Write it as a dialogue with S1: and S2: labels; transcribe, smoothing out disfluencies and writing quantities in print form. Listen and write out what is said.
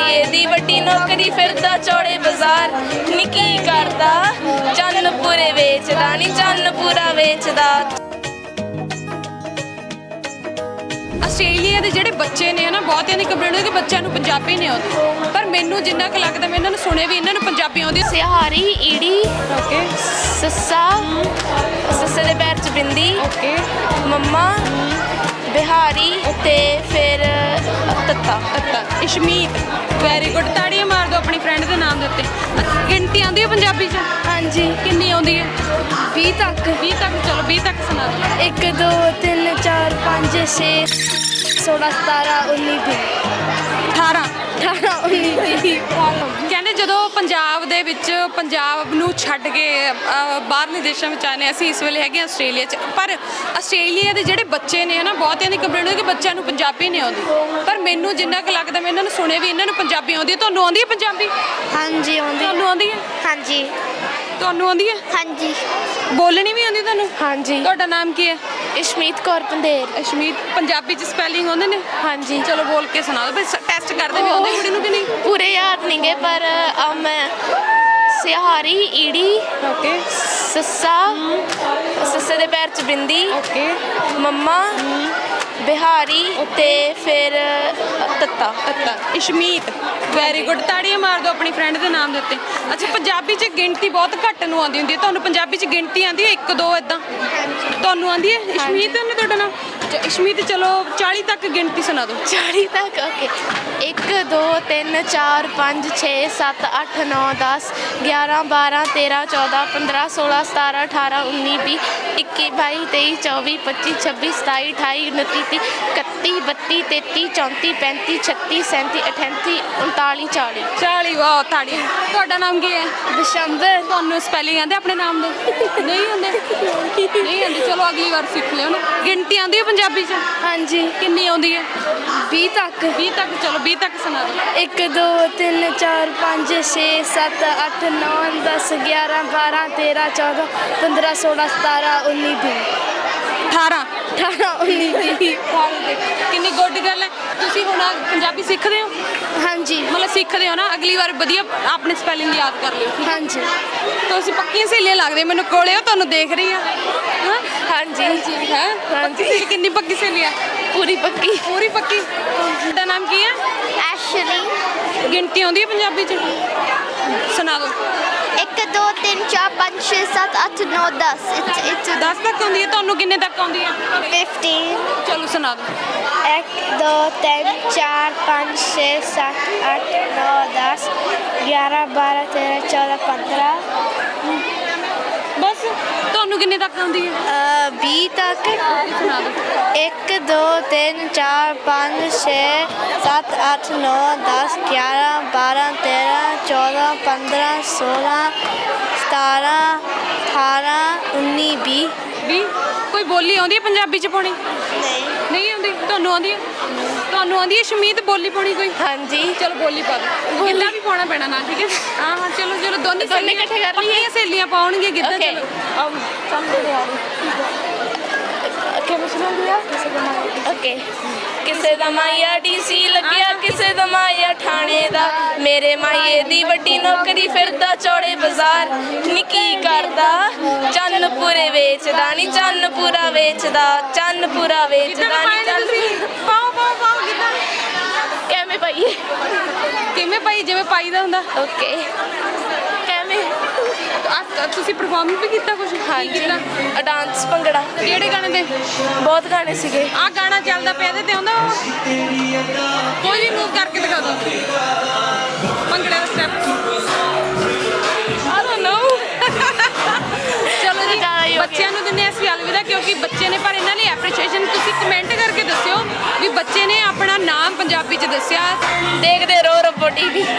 S1: ਮਾਈਏ ਦੀ ਵੱਡੀ ਨੌਕਰੀ ਫਿਰਦਾ ਚੌੜੇ ਬਾਜ਼ਾਰ ਨੀ ਕੀ ਕਰਦਾ ਚੰਨ ਪੂਰੇ ਵੇਚਦਾ ਨੀ ਚੰਨ ਪੂਰਾ ਵੇਚਦਾ।
S2: ਆਸਟ੍ਰੇਲੀਆ ਦੇ ਜਿਹੜੇ ਬੱਚੇ ਨੇ ਨਾ ਬਹੁਤਿਆਂ ਦੀ ਕੰਪਲੇਂਟ ਹੈ ਕਿ ਬੱਚਿਆਂ ਨੂੰ ਪੰਜਾਬੀ ਨਹੀਂ ਆਉਂਦੀ, ਪਰ ਮੈਨੂੰ ਜਿੰਨਾ ਕੁ ਲੱਗਦਾ ਮੈਂ ਇਹਨਾਂ ਨੂੰ ਸੁਣਿਆ ਵੀ ਇਹਨਾਂ ਨੂੰ ਪੰਜਾਬੀ ਆਉਂਦੀ।
S1: ਸਿਹਾਰੀ ਈੜੀ
S2: ਓਕੇ
S1: ਸੱਸਾ ਸੱਸੇ ਦੇ ਪੈਰ 'ਚ ਬਿੰਦੀ
S2: ਓਕੇ
S1: ਮੰਮਾ ਬਿਹਾਰੀ ਤੇ ਫਿਰ ਤੱਤਾ
S2: ਤੱਤਾ ਇਸ਼ਮੀਤ ਵੈਰੀ ਗੁੱਡ। ਤਾੜੀਆਂ ਮਾਰ ਦਿਓ ਆਪਣੀ ਫਰੈਂਡ ਦੇ ਨਾਮ ਦੇ ਉੱਤੇ। ਗਿਣਤੀ ਆਉਂਦੀ ਹੈ ਪੰਜਾਬੀ 'ਚ?
S1: ਹਾਂਜੀ
S2: ਕਿੰਨੀ ਆਉਂਦੀ ਹੈ?
S1: 20 ਤੱਕ
S2: 20 ਤੱਕ। ਚਲੋ 20 ਤੱਕ ਸੁਣਾ ਦਿਓ।
S1: 1 2 3 4 5 6 16 17 19 20
S2: 18
S1: 18 19 20
S2: ਕਹਿੰਦੇ ਜਦੋਂ ਪੰਜਾਬ ਦੇ ਵਿੱਚ ਪੰਜਾਬ ਨੂੰ ਛੱਡ ਕੇ ਬਾਹਰਲੇ ਦੇਸ਼ਾਂ ਵਿੱਚ ਆਨੇ ਅਸੀਂ ਇਸ ਵੇਲੇ ਹੈਗੇ ਆਸਟ੍ਰੇਲੀਆ 'ਚ, ਪਰ ਆਸਟ੍ਰੇਲੀਆ ਦੇ ਜਿਹੜੇ ਬੱਚੇ ਨੇ ਨਾ ਬਹੁਤਿਆਂ ਦੀ ਕੰਪਲੇਂਟ ਹੈ ਕਿ ਬੱਚਿਆਂ ਨੂੰ ਪੰਜਾਬੀ ਨਹੀਂ ਆਉਂਦੀ, ਪਰ ਮੈਨੂੰ ਜਿੰਨਾ ਕੁ ਲੱਗਦਾ ਮੈਂ ਇਹਨਾਂ ਨੂੰ ਸੁਣਿਆ ਵੀ ਇਹਨਾਂ ਨੂੰ ਪੰਜਾਬੀ ਆਉਂਦੀ ਹੈ। ਤੁਹਾਨੂੰ ਆਉਂਦੀ ਹੈ ਪੰਜਾਬੀ?
S1: ਹਾਂਜੀ ਆਉਂਦੀ
S2: ਤੁਹਾਨੂੰ ਆਉਂਦੀ ਹੈ?
S1: ਹਾਂਜੀ
S2: ਤੁਹਾਨੂੰ ਆਉਂਦੀ ਹੈ?
S1: ਹਾਂਜੀ
S2: ਬੋਲਣੀ ਵੀ ਆਉਂਦੀ ਤੁਹਾਨੂੰ?
S1: ਹਾਂਜੀ
S2: ਤੁਹਾਡਾ ਨਾਮ ਕੀ ਹੈ?
S1: ਇਸ਼ਮੀਤ ਕੌਰ ਪੰਦੇਰ।
S2: ਅਸ਼ਮੀਤ। ਪੰਜਾਬੀ 'ਚ ਸਪੈਲਿੰਗ ਆਉਂਦੇ ਨੇ?
S1: ਹਾਂਜੀ
S2: ਚਲੋ ਬੋਲ ਕੇ ਸੁਣਾ ਦਿਓ। ਟੈਸਟ ਕਰਦੇ ਵੀ ਆਉਂਦੇ ਕੁੜੀ ਨੂੰ ਕਿ ਨਹੀਂ?
S1: ਪੂਰੇ ਯਾਦ ਨਹੀਂ ਗਏ ਪਰ ਮੈਂ ਸਿਹਾਰੀ ਈੜੀ
S2: ਓਕੇ
S1: ਸੱਸਾ ਸੱਸੇ ਦੇ ਪੈਰ 'ਚ ਬਿੰਦੀ
S2: ਓਕੇ
S1: ਮੰਮਾ ਬਿਹਾਰੀ ਤੇ ਫਿਰ ਤੱਤਾ
S2: ਤੱਤਾ ਇਸ਼ਮੀਤ ਵੈਰੀ ਗੁੱਡ। ਤਾੜੀਆਂ ਮਾਰ ਦਿਓ ਆਪਣੀ ਫਰੈਂਡ ਦੇ ਨਾਮ ਦੇ ਉੱਤੇ। ਅੱਛਾ ਪੰਜਾਬੀ 'ਚ ਗਿਣਤੀ ਬਹੁਤ ਘੱਟ ਨੂੰ ਆਉਂਦੀ ਹੁੰਦੀ ਹੈ, ਤੁਹਾਨੂੰ ਪੰਜਾਬੀ 'ਚ ਗਿਣਤੀ ਆਉਂਦੀ ਹੈ 1 2 ਇਦਾਂ? ਤੁਹਾਨੂੰ ਆਉਂਦੀ ਹੈ? ਇਸ਼ਮੀਤ ਨੇ ਤੁਹਾਡਾ ਨਾਮ? ਇਸ਼ਮੀਤ। ਚਲੋ 40 ਤੱਕ ਗਿਣਤੀ ਸੁਣਾ ਦਿਓ।
S1: 40 ਤੱਕ ਓਕੇ 1 2 3 4 5 6 7 8 9 10 11 12 13 14 15 16 17 18 19 20 21 22 23 24 25 26 27 28 29 30 31 32 33 34 35 36 37 38 39 40
S2: 40 ਵਾਹ ਤਾੜੀ। ਤੁਹਾਡਾ ਨਾਮ ਕੀ ਹੈ?
S1: ਦਸ਼ੰਬਰ।
S2: ਤੁਹਾਨੂੰ ਸਪੈਲਿੰਗ ਆਉਂਦੇ ਆਪਣੇ ਨਾਮ ਦੇ? ਨਹੀਂ ਆਉਂਦੇ? ਨਹੀਂ ਆਉਂਦੀ। ਚਲੋ ਅਗਲੀ ਵਾਰ ਸਿੱਖ ਲਿਓ ਨਾ। ਗਿਣਤੀ ਆਉਂਦੀ ਹੈ ਪੰਜਾਬੀ 'ਚ?
S1: ਹਾਂਜੀ
S2: ਕਿੰਨੀ ਆਉਂਦੀ ਹੈ?
S1: 20 ਤੱਕ
S2: 20 ਤੱਕ। ਚਲੋ 20 ਤੱਕ ਸੁਣਾ ਦਿਓ।
S1: 1 2 3 4 5 6 7 8 9 10 11 12 13 14 15 16 17 19 20
S2: 18
S1: 18 19 20
S2: ਕਿੰਨੀ ਗੁੱਡ ਗੱਲ ਹੈ। ਤੁਸੀਂ ਹੁਣ ਪੰਜਾਬੀ ਸਿੱਖਦੇ ਹੋ?
S1: ਹਾਂਜੀ
S2: ਮਤਲਬ ਸਿੱਖਦੇ ਹੋ ਨਾ। ਅਗਲੀ ਵਾਰ ਵਧੀਆ ਆਪਣੀ ਸਪੈਲਿੰਗ ਯਾਦ ਕਰ ਲਿਓ।
S1: ਹਾਂਜੀ
S2: ਤੁਸੀਂ ਪੱਕੀਆਂ ਸਹੇਲੀਆਂ ਲੱਗਦੇ ਮੈਨੂੰ ਕੋਲੇ ਹੋ, ਤੁਹਾਨੂੰ ਦੇਖ ਰਹੀ ਆ। ਹਾਂ
S1: ਹਾਂਜੀ
S2: ਹੈ
S1: ਹਾਂਜੀ
S2: ਕਿੰਨੀ ਪੱਕੀ ਸਹੇਲੀ ਆ?
S1: ਪੂਰੀ ਪੱਕੀ।
S2: ਪੂਰੀ ਪੱਕੀ। ਤੁਹਾਡਾ ਨਾਮ ਕੀ ਹੈ?
S1: ਐਸ਼ਲੀ।
S2: ਗਿਣਤੀ ਆਉਂਦੀ ਹੈ ਪੰਜਾਬੀ 'ਚ? ਸੁਣਾ ਦਿਓ।
S1: 1 2 3 4 5 6 7 8 9 10 it's
S2: 10 ਤੱਕ ਆਉਂਦੀ ਹੈ। ਤੁਹਾਨੂੰ ਕਿੰਨੇ ਤੱਕ ਆਉਂਦੀ ਹੈ?
S1: 15
S2: ਚਲੋ ਸੁਣਾ ਦਿਓ।
S1: 1 2 3 4 5 6 7 8 9 10 11 12 13 14 15
S2: ਬਸ। ਤੁਹਾਨੂੰ ਕਿੰਨੇ ਤੱਕ ਆਉਂਦੀ ਹੈ?
S1: 20 ਤੱਕ।
S2: ਸੁਣਾ ਦਿਓ।
S1: 1 2 3 4 5 6 7 8 9 10 11 12 13 14 15 16 17 18 19 20
S2: 20। ਕੋਈ ਬੋਲੀ ਆਉਂਦੀ ਹੈ ਪੰਜਾਬੀ 'ਚ ਪਾਉਣੀ?
S1: ਨਹੀਂ
S2: ਨਹੀਂ ਆਉਂਦੀ। ਤੁਹਾਨੂੰ ਆਉਂਦੀ ਹੈ? ਤੁਹਾਨੂੰ ਆਉਂਦੀ ਹੈ ਸ਼ਮੀਤ ਬੋਲੀ ਪਾਉਣੀ ਕੋਈ?
S1: ਹਾਂਜੀ
S2: ਚਲੋ ਬੋਲੀ ਪਾ ਦਿਓ। ਗਿੱਧਾ ਵੀ ਪਾਉਣਾ ਪੈਣਾ ਨਾ, ਠੀਕ ਹੈ? ਹਾਂ ਹਾਂ ਚਲੋ ਚਲੋ ਦੋਨੇ ਸਹੇਲੀਆਂ
S1: ਇਕੱਠੇ ਕਰ ਲਈਏ।
S2: ਪੱਕੀਆਂ ਸਹੇਲੀਆਂ ਪਾਉਣਗੇ ਗਿੱਧਾ।
S1: Okay.
S2: ਚਲੋ
S1: ਓਕੇ ਕਿਸੇ ਦਾ ਮਾਇਆ ਡੀਸੀ ਲੱਗਿਆ ਕਿਸੇ ਦਾ ਮਾਇਆ ਥਾਣੇ ਦਾ ਮੇਰੇ ਮਾਈਏ ਦੀ ਵੱਡੀ ਨੌਕਰੀ ਫਿਰਦਾ ਚੌੜੇ ਬਾਜ਼ਾਰ ਨੀ ਕੀ ਕਰਦਾ ਚੰਨ ਪੂਰੇ ਵੇਚਦਾ ਨੀ ਚੰਨ ਪੂਰਾ ਵੇਚਦਾ ਚੰਨ ਪੂਰਾ ਵੇਚਦਾ ਨੀ ਚੰਨ
S2: ਪਾਓ ਪਾਓ ਪਾਓ ਗਿੱਧਾ।
S1: ਕਿਵੇਂ ਪਾਈਏ?
S2: ਕਿਵੇਂ ਪਾਈ? ਜਿਵੇਂ ਪਾਈਦਾ ਹੁੰਦਾ।
S1: ਓਕੇ ਕਿਵੇਂ?
S2: ਤੁਸੀਂ ਪਰਫਾਰਮ ਵੀ ਕੀਤਾ ਕੁਝ?
S1: ਹਾਂਜੀ ਡਾਂਸ ਭੰਗੜਾ।
S2: ਕਿਹੜੇ ਗਾਣੇ ਦੇ?
S1: ਬਹੁਤ ਗਾਣੇ ਸੀਗੇ।
S2: ਆਹ ਗਾਣਾ ਚੱਲਦਾ ਪਿਆ ਇਹਦੇ ਤੇ ਆਉਂਦਾ ਕੋਈ ਵੀ ਮੂਵ ਕਰਕੇ ਦਿਖਾ ਦਿਓ ਭੰਗੜੇ ਦਾ ਸਟੈਪ।
S1: I don't know
S2: ਚਲੋ ਜੀ ਬੱਚਿਆਂ ਨੂੰ ਦਿੰਦੇ ਅਸੀਂ ਅਲਵਿਦਾ ਕਿਉਂਕਿ ਬੱਚੇ ਨੇ, ਪਰ ਇਹਨਾਂ ਲਈ ਐਪਰੀਸ਼ੀਏਸ਼ਨ ਤੁਸੀਂ ਕਮੈਂਟ ਕਰਕੇ ਦੱਸਿਓ ਵੀ ਬੱਚੇ ਨੇ ਆਪਣਾ ਨਾਮ ਪੰਜਾਬੀ 'ਚ ਦੱਸਿਆ।
S1: ਦੇਖਦੇ ਰਹੋ ਰੱਬੋ ਟੀਵੀ।